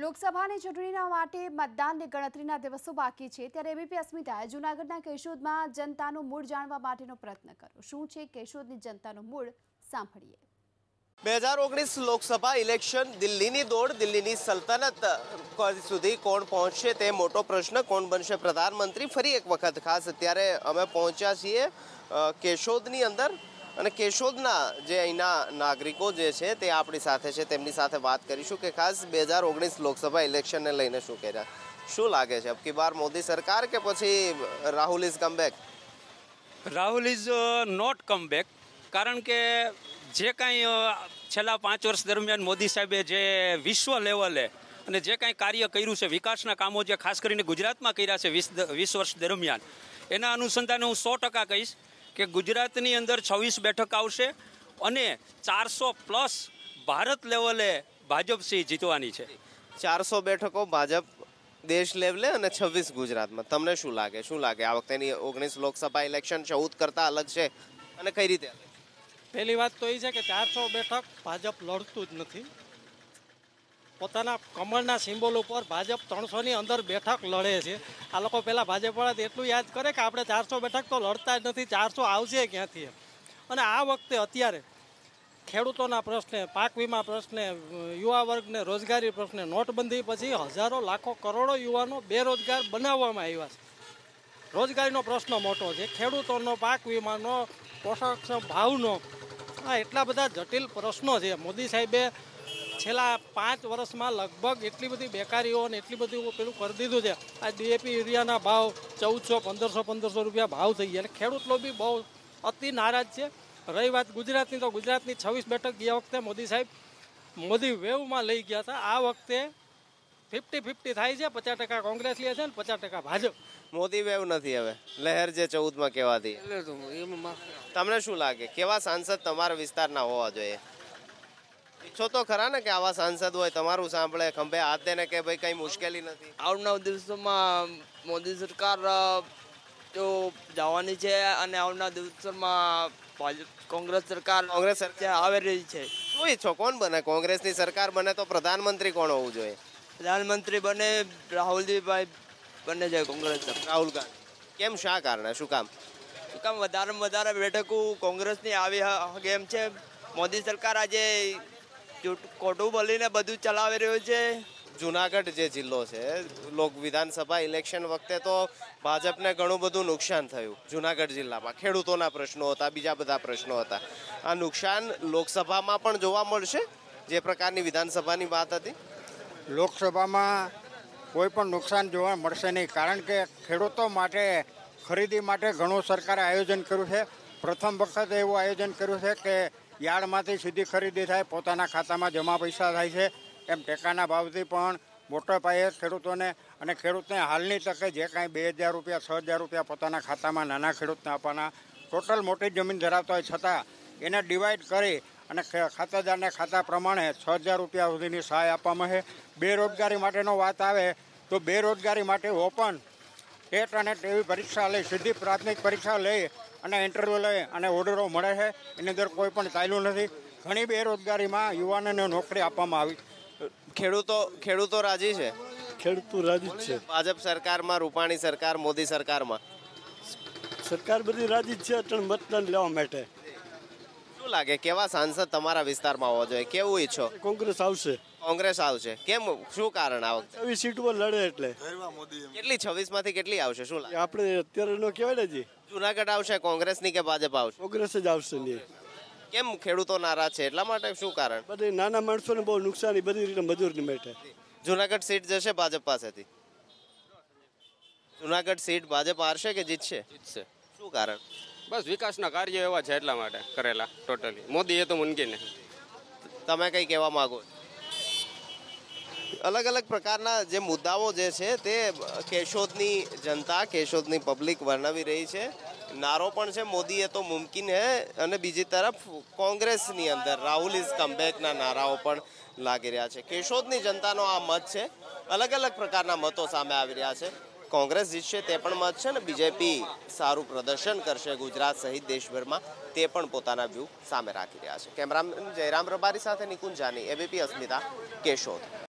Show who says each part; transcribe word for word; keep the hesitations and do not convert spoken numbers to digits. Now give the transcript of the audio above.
Speaker 1: લોકસભાની ચૂંટણીના માટે મતદાનની ગણતરીના દિવસો બાકી છે ત્યારે એબીપી અસ્મિતાએ જૂનાગઢના કેશોદમાં જનતાનું મૂળ જાણવા માટેનો પ્રયત્ન કર્યો। શું છે કેશોદની જનતાનું મૂળ, સાંભળીએ।
Speaker 2: બે હજાર ઓગણીસ લોકસભા ઇલેક્શન, દિલ્હીની દોડ, દિલ્હીની સલ્તનત સુધી કોણ પહોંચશે તે મોટો પ્રશ્ન, કોણ બનશે પ્રધાનમંત્રી ફરી એક વખત। ખાસ અત્યારે અમે પહોંચ્યા છીએ કેશોદની અંદર અને કેશોદના જે અહીંના નાગરિકો જે છે તે આપણી સાથે છે, તેમની સાથે વાત કરીશું કે ખાસ બે હજાર ઓગણીસ લોકસભા ઇલેક્શનને લઈને શું કહે રહ્યા, શું લાગે છે અબકી બાર મોદી સરકાર કે પછી Rahul is come back?
Speaker 3: Rahul is not come back, કારણ કે જે કાંઈ છેલ્લા પાંચ વર્ષ દરમિયાન મોદી સાહેબે જે વિશ્વ લેવલે અને જે કાંઈ કાર્ય કર્યું છે, વિકાસના કામો જે ખાસ કરીને ગુજરાતમાં કર્યા છે વીસ વીસ વર્ષ દરમિયાન, એના અનુસંધાને હું સો ટકા કહીશ કે ગુજરાતની અંદર છવ્વીસ બેઠક આવશે અને ચારસો પ્લસ ભારત લેવલે ભાજપ સી જીતવાની છે।
Speaker 2: ચારસો બેઠકો ભાજપ દેશ લેવલે અને છવ્વીસ ગુજરાતમાં। તમને શું લાગે શું લાગે આ વખતેની ઓગણીસ લોકસભા ઇલેક્શન ચૌદ કરતાં અલગ છે અને કઈ રીતે અલગ?
Speaker 4: પહેલી વાત તો એ છે કે ચારસો બેઠક ભાજપ લડતું જ નથી। પોતાના કમળના સિમ્બોલ ઉપર ભાજપ ત્રણસોની અંદર બેઠક લડે છે। આ લોકો પહેલાં ભાજપવાળા એટલું યાદ કરે કે આપણે ચારસો બેઠક તો લડતા જ નથી, ચારસો આવશે ક્યાંથી? અને આ વખતે અત્યારે ખેડૂતોના પ્રશ્ને, પાક વીમા પ્રશ્ને, યુવા વર્ગને રોજગારી પ્રશ્ને, નોટબંધી પછી હજારો લાખો કરોડો યુવાનો બેરોજગાર બનાવવામાં આવ્યા છે। રોજગારીનો પ્રશ્ન મોટો છે, ખેડૂતોનો, પાક વીમાનો, પોષક ભાવનો, આ એટલા બધા જટિલ પ્રશ્નો છે। મોદી સાહેબે છેલ્લા પાંચ વર્ષમાં લગભગ એટલી બધી બેકારીઓ અને એટલી બધી પેલું કરી દીધું છે। આ ડીએપી યુરિયાના ભાવ ચૌદસો પંદરસો પંદરસો રૂપિયા ભાવ થઈ ગયા, એટલે ખેડૂત લોકો બી બહુ અતિ નારાજ છે। રહી વાત ગુજરાતની, તો ગુજરાતની છવ્વીસ બેઠક ગયા વખતે મોદી સાહેબ મોદી વેવમાં લઈ ગયા હતા। આ વખતે ફિફ્ટી ફિફ્ટી થાય છે, પચાસ ટકા કોંગ્રેસ લે છે અને પચાસ ટકા ભાજપ।
Speaker 2: મોદી વેવ નથી, હવે લહેર જે ચૌદમાં કહેવાતી। તમને શું લાગે કેવા સાંસદ તમારા વિસ્તારના હોવા જોઈએ? ઈચ્છો તો ખરા ને કે આવા સાંસદ હોય, તમારું સાંભળે, ખંભે હાથ દે ને કે ભાઈ કઈ મુશ્કેલી નથી?
Speaker 5: આવનાર દિવસોમાં મોદી સરકાર જો જવાની છે અને આવનાર દિવસોમાં ભાજપ કોંગ્રેસ સરકાર
Speaker 2: કોંગ્રેસ સરકાર
Speaker 5: આવી રહી છે।
Speaker 2: શું ઈચ્છો કોણ બને? કોંગ્રેસની સરકાર બને તો પ્રધાનમંત્રી કોણ હોવું જોઈએ?
Speaker 5: પ્રધાનમંત્રી બને રાહુલજીભાઈ બને છે કોંગ્રેસ।
Speaker 2: રાહુલ ગાંધી કેમ, શા કારણે, શું કામ?
Speaker 5: શું કામ વધારેમાં વધારે બેઠકો કોંગ્રેસની આવી એમ છે। મોદી સરકાર આજે ખોટું બોલીને બધું ચલાવી રહ્યું છે।
Speaker 2: જુનાગઢ જે જિલ્લો છે, લોક વિધાનસભા ઇલેક્શન વખતે તો ભાજપને ઘણું બધું નુકસાન થયું જુનાગઢ જિલ્લામાં, ખેડૂતોના પ્રશ્નો હતા, બીજા બધા પ્રશ્નો હતા। આ નુકસાન લોકસભામાં પણ જોવા મળશે જે પ્રકારની વિધાનસભાની વાત હતી?
Speaker 6: લોકસભામાં કોઈ પણ નુકસાન જોવા મળશે નહીં, કારણ કે ખેડૂતો માટે ખરીદી માટે ઘણું સરકારે આયોજન કર્યું છે। પ્રથમ વખત એવું આયોજન કર્યું છે કે યાર્ડમાંથી સીધી ખરીદી થાય, પોતાના ખાતામાં જમા પૈસા થાય છે। એમ ટેકાના ભાવથી પણ મોટા પાયે ખેડૂતોને અને ખેડૂતને હાલની તકે જે કાંઈ બે હજાર રૂપિયા છ હજાર રૂપિયા પોતાના ખાતામાં નાના ખેડૂતને આપવાના, ટોટલ મોટી જમીન ધરાવતા હોય છતાં એને ડિવાઈડ કરી અને ખાતાદારને ખાતા પ્રમાણે છ હજાર રૂપિયા સુધીની સહાય આપવામાં છે। બેરોજગારી માટેનો વાત આવે તો બેરોજગારી માટે ઓપન ટેટ અને ટેવી પરીક્ષા લઈ, સીધી પ્રાથમિક પરીક્ષા લઈ અને ઇન્ટરવ્યૂ લઈ અને ઓર્ડરો મળે છે। એની અંદર કોઈ પણ ચાલ્યું નથી। ઘણી બેરોજગારીમાં યુવાનોને નોકરી આપવામાં આવી।
Speaker 2: ખેડૂતો ખેડૂતો રાજી છે?
Speaker 7: ખેડૂતો રાજી જ છે।
Speaker 2: ભાજપ સરકારમાં, રૂપાણી સરકાર, મોદી સરકારમાં
Speaker 7: સરકાર બધી રાજી જ છે અટણ મતદાન લેવા માટે।
Speaker 2: શું લાગે કેવા સાંસદ તમારા વિસ્તારમાં હોવા જોઈએ, કેવું ઈચ્છો?
Speaker 7: કોંગ્રેસ આવશે।
Speaker 2: કોંગ્રેસ આવશે, કેમ, શું કારણ? આ વખતે
Speaker 7: છવ્વીસ સીટ પર લડે એટલે
Speaker 2: કેટલી છવ્વીસ માંથી કેટલી આવશે શું લાગે?
Speaker 7: આપણે અત્યારે નો કહેવાય ને જી,
Speaker 2: જુનાગઢ આવશે કોંગ્રેસની કે ભાજપ આવશે?
Speaker 7: કોંગ્રેસ જ આવશે ને।
Speaker 2: કેમ ખેડૂતો નારાજ છે, એટલા માટે? શું કારણ?
Speaker 7: બધી નાના માણસોને બહુ નુકસાની બધી રીતે મજૂરની માટે।
Speaker 2: જુનાગઢ સીટ જશે ભાજપ પાસેથી? જુનાગઢ સીટ ભાજપ હારશે કે જીતશે?
Speaker 8: જીતશે।
Speaker 2: શું કારણ?
Speaker 8: બસ વિકાસના કાર્ય એવા છે એટલા માટે કરેલા ટોટલી। મોદી એ તો મુનકી નહીં।
Speaker 2: તમે કઈ કહેવા માંગો? અલગ અલગ પ્રકારના જે મુદ્દાઓ જે છે તે કેશોદની જનતા, કેશોદની પબ્લિક વર્ણવી રહી છે। નારો પણ છે મોદી એ તો મુમકિન હે, અને બીજી તરફ કોંગ્રેસની અંદર રાહુલ ઇઝ કમબેકના નારાઓ પણ લાગી રહ્યા છે। કેશોદની જનતાનો આ મત છે, અલગ અલગ પ્રકારના મતો સામે આવી રહ્યા છે। કોંગ્રેસ જીતશે તે પણ મત છે ને બીજેપી સારું પ્રદર્શન કરશે ગુજરાત સહિત દેશભરમાં તે પણ પોતાના વ્યૂ સામે રાખી રહ્યા છે। કેમેરામેન જયરામ રબારી સાથે નિકુંજ જાની, એબીપી અસ્મિતા, કેશોદ।